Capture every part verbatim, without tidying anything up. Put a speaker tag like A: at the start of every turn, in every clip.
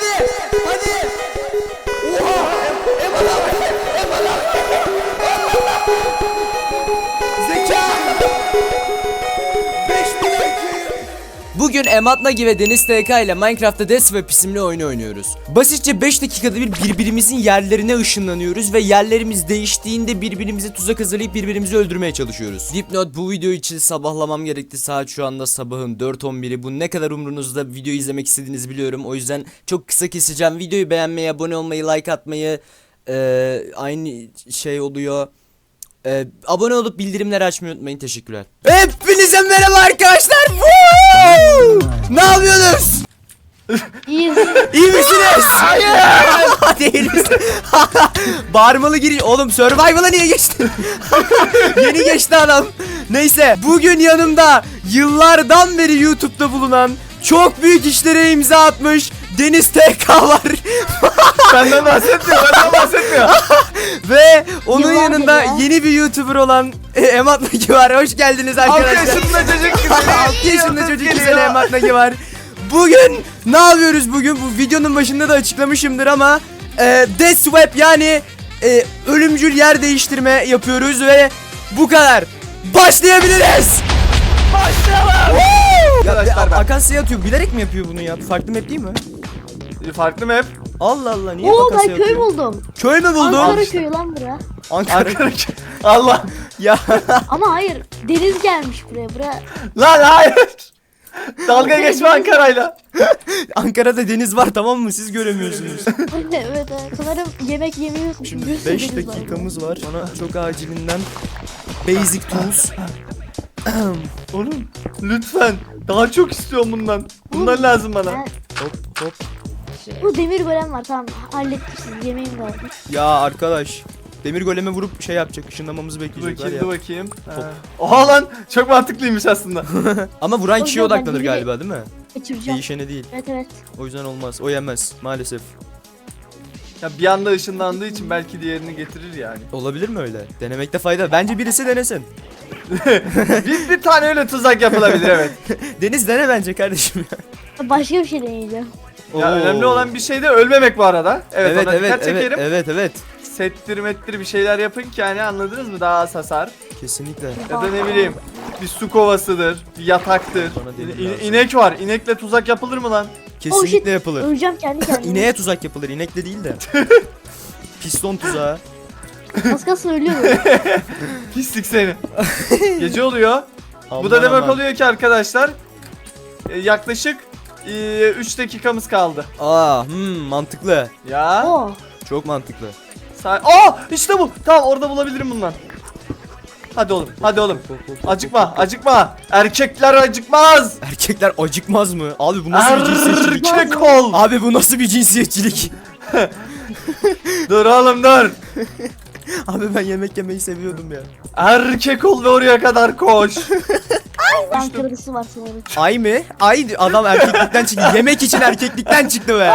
A: Hadi. Hadi. Oha. Eman abi. Eman abi. Zeka. beş bin I Q. Bugün Emat Nagi ve Deniz T K ile Minecraft'ta Death Swap isimli oyunu oynuyoruz. Basitçe beş dakikada bir birbirimizin yerlerine ışınlanıyoruz ve yerlerimiz değiştiğinde birbirimize tuzak hazırlayıp birbirimizi öldürmeye çalışıyoruz. Dipnot, bu video için sabahlamam gerekti. Saat şu anda sabahın dört on biri. Bu ne kadar umrunuzda, video izlemek istediğinizi biliyorum. O yüzden çok kısa keseceğim. Videoyu beğenmeyi, abone olmayı, like atmayı ee, aynı şey oluyor. Ee, abone olup bildirimleri açmayı unutmayın. Teşekkürler. Hepinize merhaba arkadaşlar. Woo! Ne yapıyorsunuz?
B: İyiyiz.
A: İyi misiniz? Hayır. Değiliz. Bağırmalı giriş. Oğlum Survival'a niye geçtin? Yeni geçti adam. Neyse, bugün yanımda yıllardan beri YouTube'da bulunan, çok büyük işlere imza atmış Deniz T K var.
C: Benden bahsetmiyor, benden bahsetmiyor.
A: Ve onun
B: Yıllardır
A: yanında
B: ya.
A: yeni bir YouTuber olan e, Emat Nagi var. Hoş geldiniz arkadaşlar.
C: altı yaşında çocuk güzeli.
A: altı yaşında çocuk güzeli Emat Nagi var. Bugün ne yapıyoruz bugün? Bu videonun başında da açıklamışımdır ama e, Death Swap, yani e, ölümcül yer değiştirme yapıyoruz ve bu kadar. Başlayabiliriz.
C: Başlayalım.
A: Ya,
C: Arkadaşlar ben-
A: Akasya atıyor. Bilerek mi yapıyor bunu ya? Farklı map değil mi?
C: Farklı mı hep?
A: Allah Allah, niye
B: Oo,
A: Akasya
B: ben köy
A: atıyor?
B: buldum.
A: Köy mü buldun?
B: Ankara köyü lan bura.
A: Ankara.
C: Ankara. Allah.
A: Ya
B: Ama hayır, deniz gelmiş buraya. Buraya
C: Lan hayır. Dalga geçme Ankara'yla.
A: Ankara'da deniz var, tamam mı? Siz göremiyorsunuz.
B: evet, evet. Sanırım yemek yemeyi unutmuşum.
A: Şimdi
B: Bir sürü
A: beş
B: deniz var.
A: dakikamız var. Bana çok acilinden basic tools.
C: Oğlum lütfen. Daha çok istiyorum bundan. Bundan lazım bana.
B: Ben-
A: Hop hop.
B: Bu demir golem var, tamam hallettim, siz yemeğim vardı.
A: Ya arkadaş, demir goleme vurup şey yapacak, ışınlamamızı
C: Dur
A: bekleyecekler
C: bakayım,
A: ya.
C: dur bakayım. Ha. Oha lan, çok mantıklıymış aslında.
A: Ama vuran
B: O
A: kişiye
B: yüzden
A: odaklanır
B: ben
A: galiba, değil mi?
B: Kaçıracağım.
A: Değişene değil.
B: Evet evet.
A: O yüzden olmaz. O yemez maalesef.
C: Ya bir anda ışınlandığı için belki diğerini getirir yani.
A: Olabilir mi öyle? Denemekte fayda. Bence birisi denesin.
C: bir, bir tane öyle tuzak yapılabilir, evet.
A: Deniz dene bence kardeşim ya.
B: Başka bir şey deneyeceğim.
C: Ya
A: Oo.
C: önemli olan bir şey de ölmemek bu arada. Evet,
A: Evet
C: ona
A: evet
C: dikkat
A: evet,
C: çekerim.
A: evet evet.
C: Settir mettir bir şeyler yapın ki hani, anladınız mı? Daha az hasar.
A: Kesinlikle.
C: Ya da ne bileyim, bir su kovasıdır, bir yataktır.
A: Bana demir
C: İ-
A: lazım.
C: inek var. İnekle tuzak yapılır mı lan?
B: Oh shit.
A: Kesinlikle yapılır.
B: Öleceğim kendi kendime.
A: İneğe tuzak yapılır, inekle değil de. Piston tuzağı.
B: Az kalsın ölüyorum.
C: Pislik seni. Gece oluyor. Bu
A: Aman
C: da demek
A: aman.
C: oluyor ki arkadaşlar, e, yaklaşık üç dakikamız kaldı.
A: Aa, hmm, mantıklı.
C: Ya.
B: Oo.
A: Çok mantıklı.
C: Sa- Aa, işte bu. Tamam, orada bulabilirim bundan. Hadi oğlum, hadi oğlum. Acıkma, acıkma. Erkekler acıkmaz.
A: Erkekler acıkmaz mı? Abi bu nasıl bir cinsiyetçilik?
C: Erkek ol.
A: Abi bu nasıl bir cinsiyetçilik?
C: Dur oğlum, dur.
A: Abi ben yemek yemeyi seviyordum ya.
C: Erkek ol ve oraya kadar koş.
B: Ankara'sı var sanırım.
A: Ay mı? Ay, adam erkeklikten çıktı. Yemek için erkeklikten çıktı be.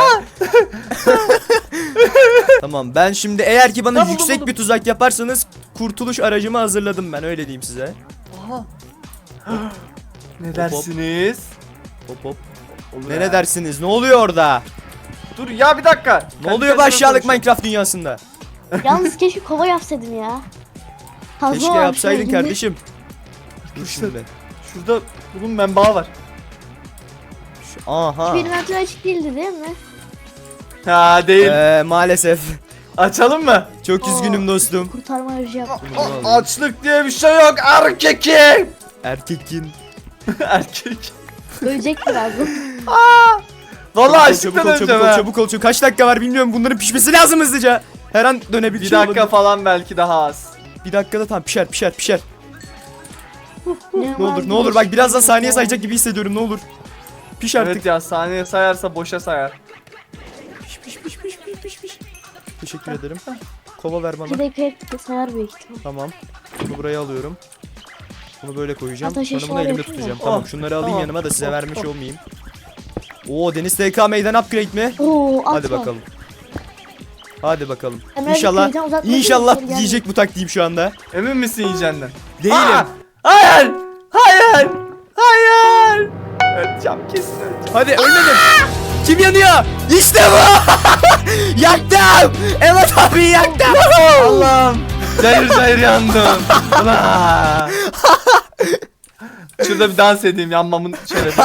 A: Tamam, ben şimdi eğer ki bana
C: Ya buldum,
A: yüksek
C: buldum.
A: bir tuzak yaparsanız kurtuluş aracımı hazırladım ben, öyle diyeyim size.
C: Aha. Ne dersiniz?
A: Hop hop.
C: Olur
A: Ne
C: ha.
A: ne dersiniz? Ne oluyor orada?
C: Dur ya, bir dakika.
A: Ne
C: Kendi
A: oluyor bu
C: kendime
A: aşağılık
C: konuşuyorum.
A: Minecraft dünyasında?
B: Yalnız keşke kova yapsaydım ya. Fazla
A: Keşke
B: var
A: yapsaydın
B: şöyle.
A: kardeşim. Dur
C: İşte.
A: şimdi.
C: Şurada bunun menbaı var.
A: Şu- Aha.
B: Benim antrenör açık değildi değil mi?
C: Ha, değil.
A: Ee, maalesef.
C: Açalım mı?
A: Çok
B: Aa.
A: üzgünüm dostum.
B: Kurtarma aracı yaptım.
C: A- açlık diye bir şey yok erkekim.
A: Erkekin.
C: Erkek.
B: Ölecek birazdan.
C: Vallahi
A: Çabuk ol,
C: açlıktan
A: çabuk ol,
C: öleceğim
A: çabuk ol,
C: ha.
A: çabuk ol, çabuk ol. Kaç dakika var bilmiyorum. Bunların pişmesi lazım hızlıca. Her an dönebilir.
C: Bir dakika falan, belki daha az.
A: Bir dakikada tam pişer pişer pişer. Ne
B: var
A: olur ne
B: bir
A: olur,
B: de
A: bak birazdan
B: şey
A: saniye
B: var.
A: sayacak gibi hissediyorum, ne olur. Piş artık.
C: Evet ya, saniye sayarsa boşa sayar.
A: Piş piş piş piş piş piş piş. Teşekkür ederim. Kova ver
B: Bir
A: bana.
B: dakika sayar büyük ihtimal.
A: Tamam. Bunu buraya alıyorum. Bunu böyle koyacağım.
B: Ateş
A: Sonra bunu
B: eşyaları
A: elimde
B: yapayım
A: tutacağım.
C: mı?
A: Tamam,
C: Oh,
A: şunları alayım
C: tamam.
A: yanıma da size
C: Oh,
A: vermiş
C: oh.
A: olmayayım. Oo, Deniz T K meydan upgrade mi?
B: Oo, atma.
A: Hadi bakalım. Hadi bakalım.
B: Hemen
A: İnşallah
B: köyden uzaklaşın,
A: inşallah
B: geri gelmeyin.
A: yiyecek bu taktiğim şu anda.
C: Emin misin yiyeceğinden?
A: Değilim.
C: Aa! Hayır! Hayır! Hayır! Öleceğim, kesin öleceğim.
A: Hadi ölmedim. Kim yanıyor? İşte bu. Yaktım. Emat abi yaktım.
C: Allah'ım. Cayır cayır yandım. Ulan. Şurada bir dans edeyim yanmamın şerefi.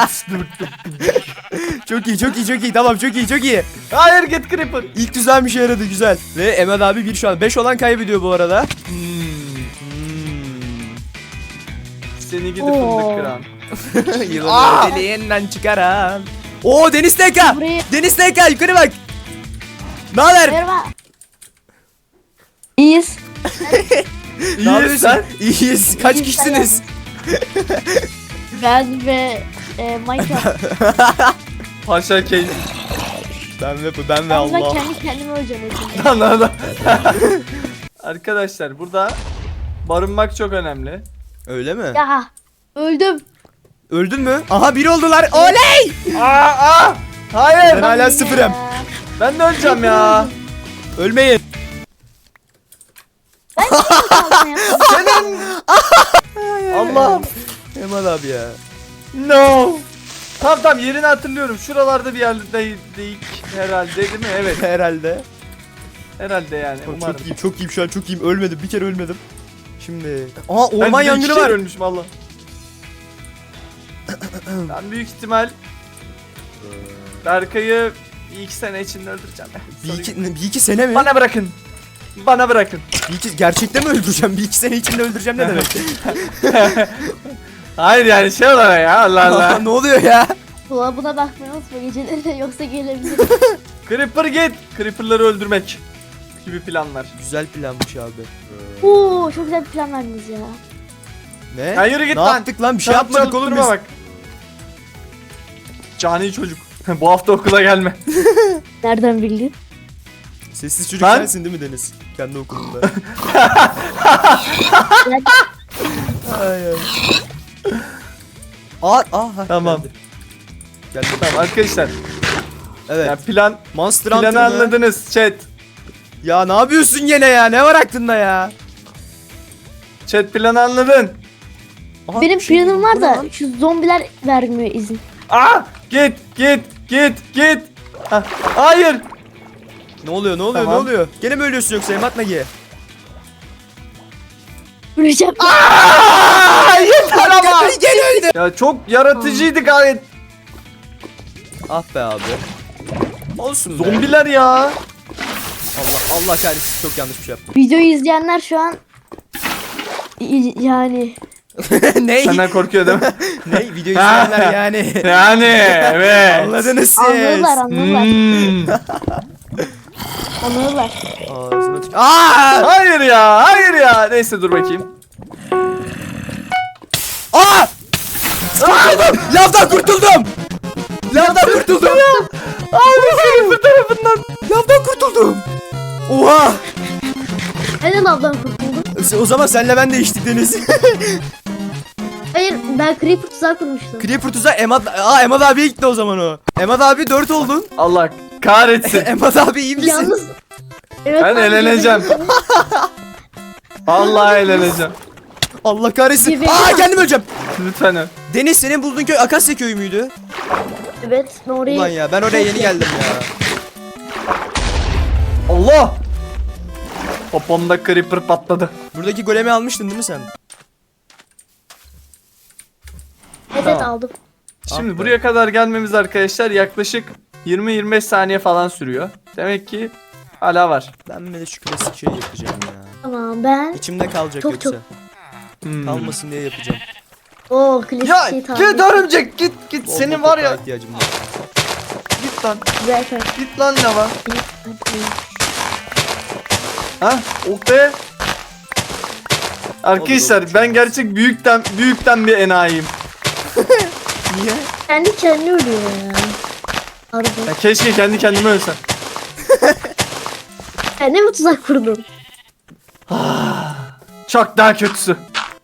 A: Çok iyi çok iyi çok iyi tamam çok iyi çok iyi.
C: Hayır git Creeper.
A: İlk düzen bir şey yaradı güzel. Ve Emad abi bir şu an beş olan kaybediyor bu arada.
C: Seni gidip
B: Oo.
C: fındık kıran.
A: Yılanı deliğinden çıkaran. Oo Deniz T K.
B: Burayı-
A: Deniz T K yukarı bak. Ne haber?
B: Merhaba. İyiyiz.
A: Ne yapıyorsun?
C: sen?
A: İyiyiz. Kaç
B: İyiyiz,
A: kişisiniz?
B: Ben ve e, Minecraft.
C: Paşa keyif.
A: Ben ve ben ve
B: Ben
A: Allah.
B: kendi kendime öleceğim. hepsini.
C: Lan lan lan. Arkadaşlar burada barınmak çok önemli.
A: Öyle mi?
B: Ya öldüm.
A: Öldün mü? Aha biri oldular. Oley!
C: Aa, aa! Hayır.
A: Ben hala
B: Ya.
A: sıfırım.
C: Ben de öleceğim ya.
A: Ölmeyin.
C: Senin. Allah'ım.
A: Emad abi ya.
C: No. Tamam tamam yerini hatırlıyorum. Şuralarda bir yerdeydik herhalde değil mi? Evet
A: Herhalde.
C: herhalde yani
A: Çok,
C: umarım.
A: çok iyiyim, çok iyiyim şu an çok iyiyim. Ölmedim. Bir kere ölmedim. Şimdi. Aha
C: Ben
A: orman
C: bir de iki
A: yangını
C: kere
A: var.
C: ölmüşüm Allah. Ben büyük ihtimal Berkay'ı bir iki sene içinde öldüreceğim.
A: Bir iki, bir iki sene mi?
C: Bana bırakın. Bana bırakın.
A: Bir iki, gerçekten mi öldüreceğim? Bir iki sene içinde öldüreceğim ne demek?
C: Hayır yani şey olarak ya Allah Allah.
A: Ne oluyor ya?
B: Dolabına bakmayı unutma geceleri yoksa gelebilir.
C: Creeper git. Creeper'ları öldürmek gibi planlar.
A: Güzel planmış abi.
B: Oo çok güzel bir plan verdiniz ya.
A: Ne?
C: Ya yürü git
A: ne
C: lan.
A: yaptık lan? Bir şey
C: Sen
A: yapmadık oğlum
C: durma
A: biz.
C: bak. Cani çocuk. Bu hafta okula gelme.
B: Nereden bildin?
A: Sessiz çocuk
C: Ben-
A: sensin değil mi Deniz? Kendi okulunda. ay ay. Aa, aa, ha,
C: Tamam.
A: Geldi. Geldi.
C: Tamam arkadaşlar.
A: Evet.
C: Ya plan
A: Monster
C: planı
A: Hunter mı?
C: anladınız chat.
A: Ya ne yapıyorsun gene ya? Ne var aklında ya?
C: Chat planı anladın.
A: Aha,
B: Benim
A: bir şey
B: planım
A: bu
B: var
A: ne
B: da
A: lan?
B: şu zombiler vermiyor izin.
C: Aa git git git git. Ha, hayır.
A: Ne oluyor? Ne oluyor?
C: Tamam.
A: Ne oluyor? Gene mi ölüyorsun yoksa Emat Nagi?
B: Öleceğim.
C: Aa, yeter ama.
A: Gene öldü.
C: Ya çok yaratıcıydı gayet.
A: Ah be abi. Olsun be.
C: Zombiler ya.
A: Allah Allah kahretsin çok yanlış bir şey yaptım.
B: Videoyu izleyenler şu an i- yani
A: ne?
C: Senden korkuyor değil mi?
A: ne? Video izleyenler yani.
C: Yani evet.
A: Anladınız siz.
B: anlıyorlar anlıyorlar.
C: Hmm.
B: Anlıyorlar.
A: Ağzına tük- Aa!
C: Hayır ya, hayır ya. Neyse dur bakayım.
A: Aa! Kurtuldum! Lavdan kurtuldum! Lavdan kurtuldum!
C: Abi senin bu tarafından.
A: Lavdan kurtuldum! Oha!
B: Neden ablam kurtuldu?
A: O zaman senle ben değiştik Deniz.
B: Hayır ben Creeper tuzağı kurmuştum.
A: Creeper tuzağı Emad... Aa Emad abiye gitti o zaman o. Emad abi dört oldun.
C: Allah kahretsin.
A: Emad abi iyi misin?
B: Yalnız evet,
C: Ben
B: abi,
C: eğleneceğim. Vallahi eğleneceğim.
A: Allah kahretsin.
B: Gibi-
A: Aa kendim öleceğim.
C: Lütfen öl.
A: Deniz senin bulduğun köy Akasya köyü müydü?
B: Evet ben orayı.
A: Ulan ya ben oraya yeni geldim ya.
C: Allah! Popomda creeper patladı.
A: Buradaki golemi almıştın değil mi sen?
B: Evet
C: Tamam.
B: aldım.
C: Şimdi
A: Ah be.
C: buraya kadar gelmemiz arkadaşlar yaklaşık yirmi yirmi beş saniye falan sürüyor. Demek ki hala var.
A: Ben bir de şu klasik şeyi yapacağım ya.
B: Tamam ben.
A: İçimde kalacak
B: Çok,
A: yoksa.
B: çok.
C: Hmm.
A: Kalmasın diye yapacağım.
B: Oo klasik
C: Ya
B: şey tahmin.
C: git örümcek git git
A: Bol
C: senin
A: bol
C: var ya
A: toprağa ihtiyacım var.
C: git lan
B: Güzel kar.
C: git lan ne var? Ha? Oh be. Arkadaşlar
A: olur,
C: ben gerçek büyükten büyükten bir enayiyim.
A: Niye?
B: Kendi kendine ölüyor ya. Harbi.
C: Ya keşke kendi kendime ölsem.
B: Sen mi tuzak kurdun?
C: Çok daha kötüsü.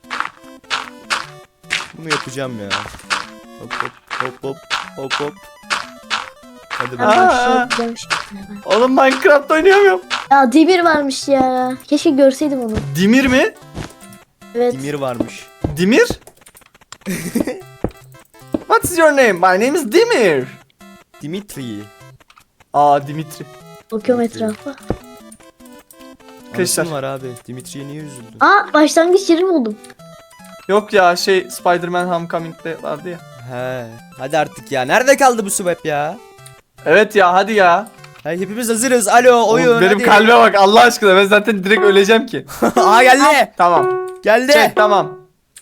A: Bunu yapacağım ya. Hop hop hop hop hop hop. Hadi
B: Ben
A: be.
C: Aa.
B: başlıyorum, güzel bir şey yapmaya ben.
C: Oğlum Minecraft oynayamıyorum.
B: Ya Demir varmış ya. Keşke görseydim onu.
C: Dimir mi?
B: Evet.
A: Dimir varmış.
C: Dimir? What's your name? My name is Dimir.
A: Dimitri.
C: Aa Dimitri.
B: Bakıyorum etrafa.
C: Arkadaşlar.
A: Anasın var abi. Dimitri'ye niye üzüldün?
B: Aa başlangıç yeri buldum.
C: Yok ya şey Spider-Man Homecoming'de vardı ya.
A: He. Hadi artık ya. Nerede kaldı bu swap ya?
C: Evet ya hadi ya.
A: Hey, hepimiz hazırız. Alo oyun
C: Oğlum, benim
A: hadi.
C: kalbe bak Allah aşkına ben zaten direkt öleceğim ki.
A: Aa geldi.
C: Tamam.
A: Geldi.
C: Çek tamam.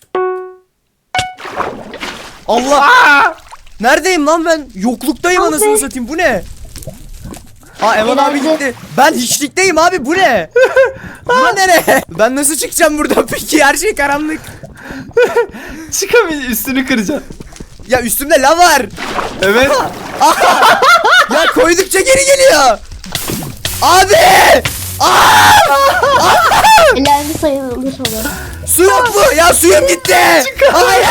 A: Allah. Neredeyim lan ben? Yokluktayım
B: Abi.
A: anasını satayım. Bu ne? Aa Eman abi
B: Herhalde.
A: gitti. Ben hiçlikteyim abi. Bu ne? Bu nere? Ben nasıl çıkacağım buradan peki? Her şey karanlık.
C: Çıkamayın üstünü kıracağım.
A: Ya üstümde lav var.
C: Evet.
A: Ya koydukça geri geliyor. Abi!
B: Elendi sayılır olur.
A: Su yok mu? Ya suyum gitti. Hayır.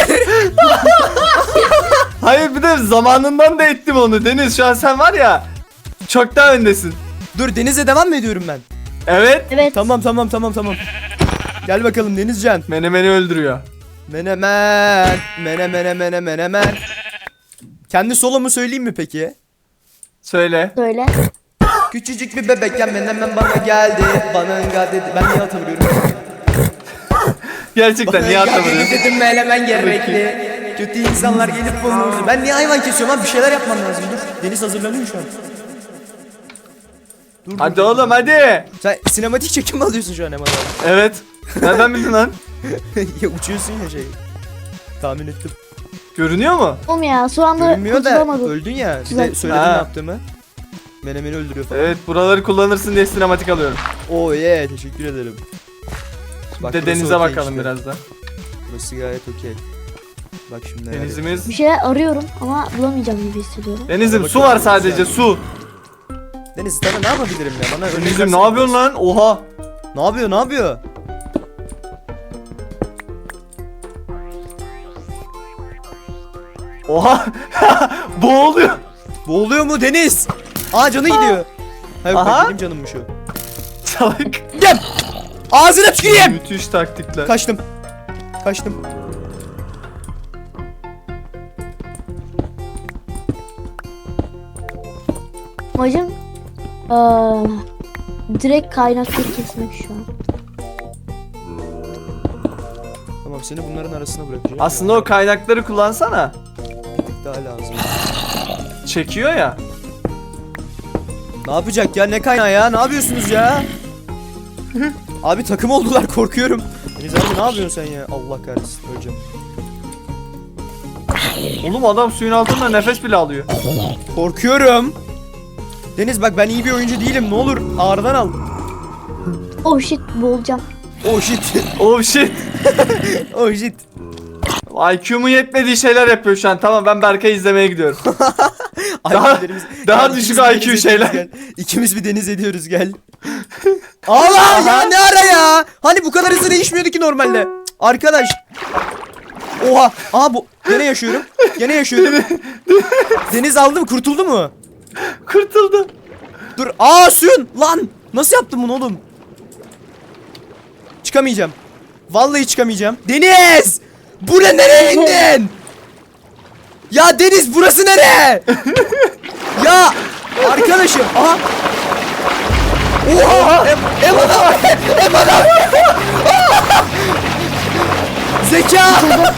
C: Hayır bir de zamanından da ettim onu Deniz. Şu an sen var ya çok daha öndesin.
A: Dur denize devam mı ediyorum ben?
C: Evet.
B: Evet.
A: Tamam tamam tamam tamam. Gel bakalım Denizcan.
C: Menemeni öldürüyor.
A: Menemen. Mene mene mene menemen. Kendi solomu söyleyeyim mi peki?
C: Söyle.
B: Söyle.
A: Küçücük bir bebekken menemen bana geldi. Bana enga dedi. Ben niye hatırlıyorum?
C: Gerçekten niye
A: Enga dedi
C: atlamadın?
A: dedim menemen gerekli. Kötü insanlar gelip bulmuş. Ben niye hayvan kesiyorum abi? Bir şeyler yapmam lazım. Dur. Deniz hazırlanıyor şu an. Dur,
C: Hadi
A: dur, dur.
C: oğlum hadi.
A: Sen sinematik çekim mi alıyorsun şu an Eman abi?
C: Evet. Nereden bildin lan?
A: Ya uçuyorsun ya şey. Tahmin ettim.
C: Görünüyor mu?
B: Oğlum ya şu anda
A: Görünmüyor da
B: kurtulamadım.
A: öldün ya. Bir de
B: Güzel.
A: söyledin
C: Ha.
A: ne yaptığımı. Menemeni öldürüyor falan.
C: Evet buraları kullanırsın diye sinematik alıyorum.
A: Oh yeah teşekkür ederim. Bak,
C: Bir de
A: burası
C: denize
A: okey
C: bakalım
A: işte.
C: biraz da.
A: Burası gayet okey. Bak şimdi neler
C: Denizimiz.
B: Bir şeyler arıyorum ama bulamayacağım gibi hissediyorum.
C: Denizim
A: Hadi
C: su
A: bakalım,
C: var sadece
A: güzel.
C: su.
A: yapıyorum. Deniz sana ne yapabilirim ya? Bana örnek
C: Denizim
A: versene
C: ne yapıyorsun
A: biraz.
C: lan? Oha.
A: Ne yapıyor ne yapıyor?
C: Oha. Boğuluyor.
A: Boğuluyor mu Deniz? Aa canı gidiyor. Hayır
C: Aha.
A: benim canımmış o.
C: Salak.
A: Gel. Ağzına tüküreyim.
C: Müthiş taktikler.
A: Kaçtım. Kaçtım.
B: Amacım eee direkt kaynakları kesmek şu an.
A: Tamam seni bunların arasına bırakacağım.
C: Aslında o kaynakları kullansana.
A: Bir tık daha lazım.
C: Çekiyor ya.
A: Ne yapacak ya? Ne kaynağı ya? Ne yapıyorsunuz ya? Abi takım oldular korkuyorum. Deniz abi ne yapıyorsun sen ya? Allah kahretsin öleceğim.
C: Oğlum adam suyun altında nefes bile alıyor.
A: Korkuyorum. Deniz bak ben iyi bir oyuncu değilim. Ne olur ağırdan al.
B: Oh shit boğulacağım.
A: Oh shit.
C: Oh shit.
A: Oh shit.
C: I Q'mun yetmediği şeyler yapıyor şu an. Tamam ben Berkay'ı izlemeye gidiyorum. Daha-
A: I Q'lerimiz-
C: daha
A: Gel,
C: düşük
A: ikimiz bir
C: I Q
A: deniz
C: şeyler.
A: ediyoruz, gel. İkimiz bir deniz ediyoruz gel. Allah ya ne ara ya? Hani bu kadar hızlı değişmiyordu ki normalde. Cık, Arkadaş. Oha. Aha bu. Gene yaşıyorum. Gene yaşıyorum. Deniz aldı mı? Kurtuldu mu?
C: Kurtuldu.
A: Dur. Aa suyun. Lan. Nasıl yaptın bunu oğlum? Çıkamayacağım. Vallahi çıkamayacağım. Deniz! Buraya nereye indin? Ya Deniz burası nere? Ya arkadaşım. Aha. Oha! Em Eman abi! Eman abi! Zeka!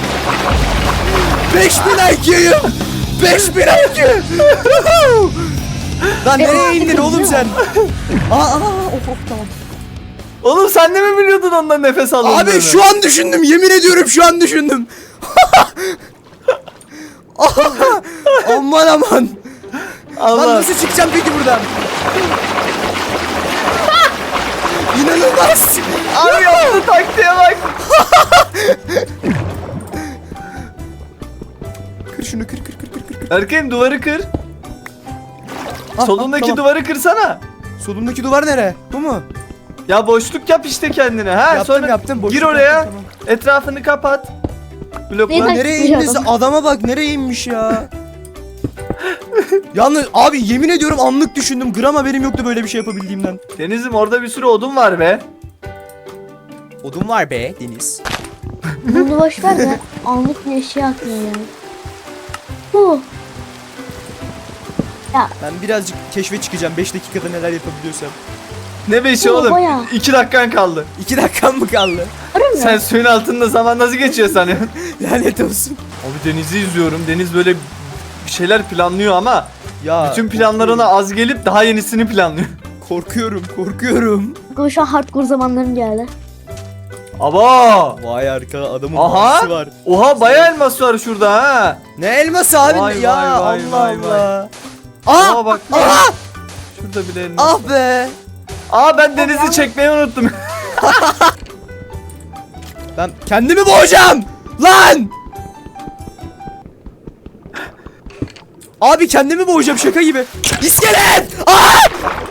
A: beş bin I Q'yum! beş bin I Q! Lan nereye indin oğlum sen? Aa, aa, of, of, tamam.
C: Oğlum sen de mi biliyordun ondan nefes aldığını?
A: Abi şu an düşündüm yemin ediyorum şu an düşündüm. Aman aman. Lan
C: Allah.
A: nasıl çıkacağım peki buradan? İnanılmaz.
C: Abi yaptı taktiğe bak.
A: Kır şunu kır kır kır kır kır.
C: Berkay'ım duvarı kır.
A: Ah,
C: Solundaki
A: ah, tamam.
C: duvarı kırsana.
A: Solundaki duvar nere? Bu mu?
C: Ya boşluk yap işte kendine. Ha
A: Yaptım,
C: sonra
A: yaptım, boşluk
C: gir oraya.
A: yaptım, tamam.
C: Etrafını kapat. Blokla.
B: Neyden-
A: Nereye
B: çıkmış
A: indiyse
B: adam.
A: adama bak nereye inmiş ya. Yalnız abi yemin ediyorum anlık düşündüm. Gram haberim yoktu böyle bir şey yapabildiğimden.
C: Denizim orada bir sürü odun var be.
A: Odun var be Deniz.
B: Bunu boş ver de anlık bir şey akmıyor yani. Huh. Ya
A: Ben birazcık keşfe çıkacağım. beş dakikada neler yapabiliyorsam.
C: Ne beşi
B: Oo,
C: oğlum?
B: bayağı.
C: iki dakikan kaldı.
A: iki dakikam mı kaldı?
B: arıyor mu?
C: Sen suyun altında zaman nasıl geçiyor sanıyorsun?
A: Lanet olsun.
C: Abi denizi izliyorum. Deniz böyle bir şeyler planlıyor ama
A: Ya
C: bütün planlarına az gelip daha yenisini planlıyor.
A: korkuyorum, korkuyorum.
B: Bu şu an hardcore zamanlarım geldi.
C: Aba!
A: Vay arka adamın
C: Aha!
A: bağısı var.
C: Oha bayağı elmas var şurada ha.
A: Ne elması abi
C: Vay,
A: ya
C: vay, vay,
A: Allah
C: vay, vay.
A: Allah. Aa,
C: Aa bak.
A: aa,
C: Şurada bile elmas.
A: ah be.
C: Aa ben denizi çekmeyi unuttum.
A: Ben kendimi boğacağım. Lan. Abi kendimi boğacağım şaka gibi. İskelet. Aa!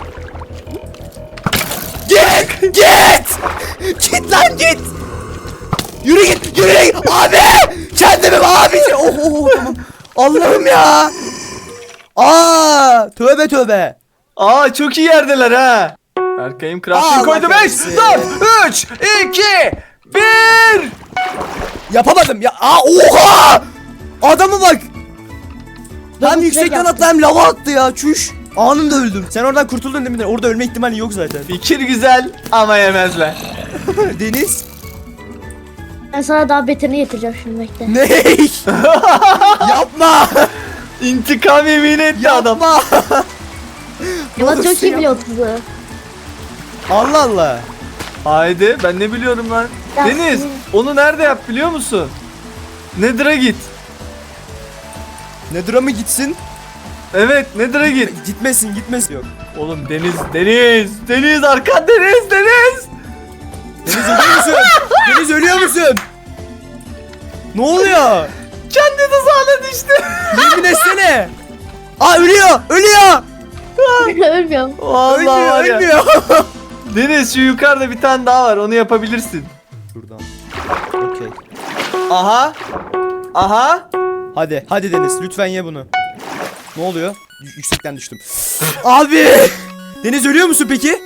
A: Git, git. Git lan git. Yürü git, yürü git. Abi! Kendimi abi. Oh, oh, oh, tamam. Allah'ım ya. Aa, tövbe tövbe.
C: Aa çok iyi yerdeler ha. Berkay'ım crafting
A: Allah
C: koydu. beş,
A: kahretsin.
C: dört, üç, iki, bir.
A: Yapamadım ya. Aa, oha! Adamı bak. Hem
B: Double
A: yüksekten
B: track
A: attı hem lava attı ya. Çüş. Anında öldüm. Sen oradan kurtuldun değil mi? Orada ölme ihtimali yok zaten.
C: Fikir güzel ama yemezler.
A: Deniz.
B: Ben sana daha beterini getireceğim şimdi bekle.
A: Ne? Yapma.
C: İntikam yemin etti adam.
A: Yapma.
B: Yaman çok
A: olursun
B: iyi
A: ya.
B: biliyor tuzu.
A: Allah Allah.
C: Haydi ben ne biliyorum lan.
B: Ya
C: Deniz
B: senin-
C: onu nerede yap biliyor musun? Nedir'a git.
A: Nedir'a mı gitsin?
C: Evet Nedir'a git.
A: Gitmesin gitmesin. Yok.
C: Oğlum Deniz Deniz Deniz arkan Deniz Deniz.
A: Deniz ölüyor musun? Deniz ölüyor musun? Ne oluyor?
C: Kendi tuzağına düştü.
A: Yemin etsene. Aa ölüyor. Ölüyor.
B: Ölmüyorum.
C: Vallahi
A: Ölmüyor.
C: var ya.
A: Ölmüyor.
C: Deniz şu yukarıda bir tane daha var onu yapabilirsin.
A: Şuradan. Okey.
C: Aha. Aha.
A: Hadi, hadi Deniz lütfen ye bunu. Ne oluyor? Y- yüksekten düştüm. Abi! Deniz ölüyor musun peki?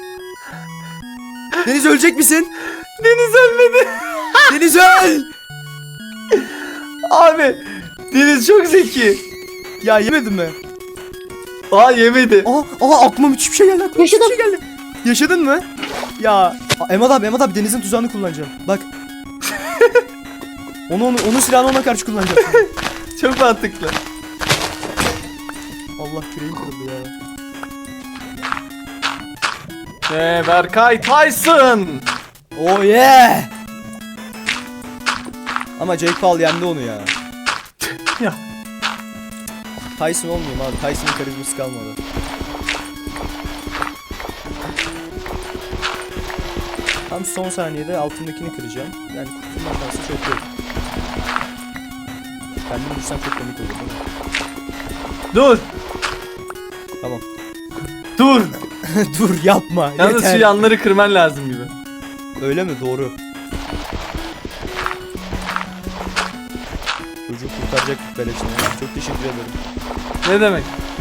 A: Deniz ölecek misin?
C: Deniz ölmedi.
A: Deniz öl!
C: Abi Deniz çok zeki.
A: Ya yemedin mi?
C: Aa yemedi.
A: Aa, aa aklıma müthiş bir şey geldi. Aklıma
B: Yaşadım.
A: müthiş bir şey geldi. Yaşadın mı? Ya, Aa, Emad abi, Emad abi Deniz'in tuzağını kullanacağım. Bak. Onu, onu, onun silahını ona karşı kullanacağım.
C: Çok mantıklı.
A: Allah küreğim kırıldı ya.
C: Ee, Berkay Tyson.
A: Oh yeah! Ama Jake Paul yendi onu ya.
C: Ya.
A: Tyson olmuyor abi. Tyson'ın karizması kalmadı. Tam son saniyede altındakini kıracağım. Yani kurtulmaktansa çok yok. Kendim vursam çok komik olur değil mi?
C: Dur.
A: Tamam.
C: Dur.
A: Dur yapma.
C: Yalnız
A: yeter.
C: şu yanları kırman lazım gibi.
A: Öyle mi? Doğru. Çocuğu kurtaracaktık beleşine. Çok teşekkür ederim.
C: Ne demek?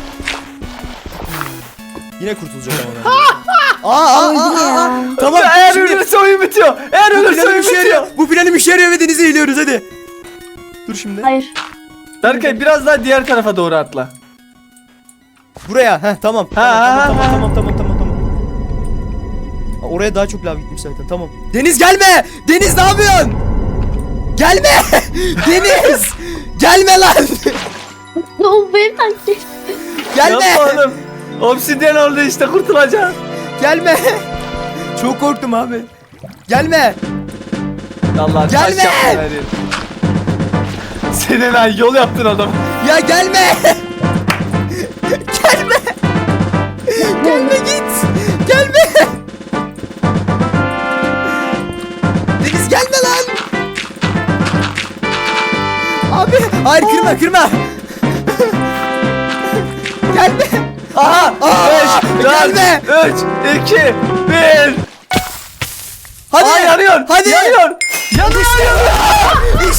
A: Yine kurtulacak ama ben. Aa, aa,
B: Öldü
A: aa,
B: ya.
A: aa. Tamam.
C: Eğer
A: şimdi
C: ölürse oyun bitiyor. Eğer
A: bu
C: ölürse
A: planım
C: oyun
A: işe
C: bitiyor.
A: yarıyor. Bu planım işe yarıyor ve denize eğiliyoruz hadi. Dur şimdi.
B: Hayır.
C: Berkay biraz daha diğer tarafa doğru atla.
A: Buraya. Heh tamam.
C: Ha, ha,
A: Tamam
C: ha,
A: tamam tamam tamam tamam tamam. Aa, oraya daha çok lav gitmiş zaten. Tamam. Deniz gelme. Deniz ne yapıyorsun? Gelme. Deniz. Gelme lan.
B: O benim taktiğim.
A: Gelme.
C: Yapma oğlum. Obsidyen oldu işte kurtulacaksın.
A: Gelme. Çok korktum abi. Gelme.
C: Allah
A: Gelme!
C: taş yaptın her yeri. Senin ay yol yaptın adam.
A: Ya gelme. Gelme. Gelme git. Gelme. Deniz gelme lan. Abi hayır kırma kırma. Gelme.
C: Aha!
A: Aa,
C: beş,
A: gelme.
C: dört, üç, iki, bir.
A: Hadi.
C: Aa yanıyor.
A: Hadi.
C: Yanıyor. Yanıyor. yanıyor.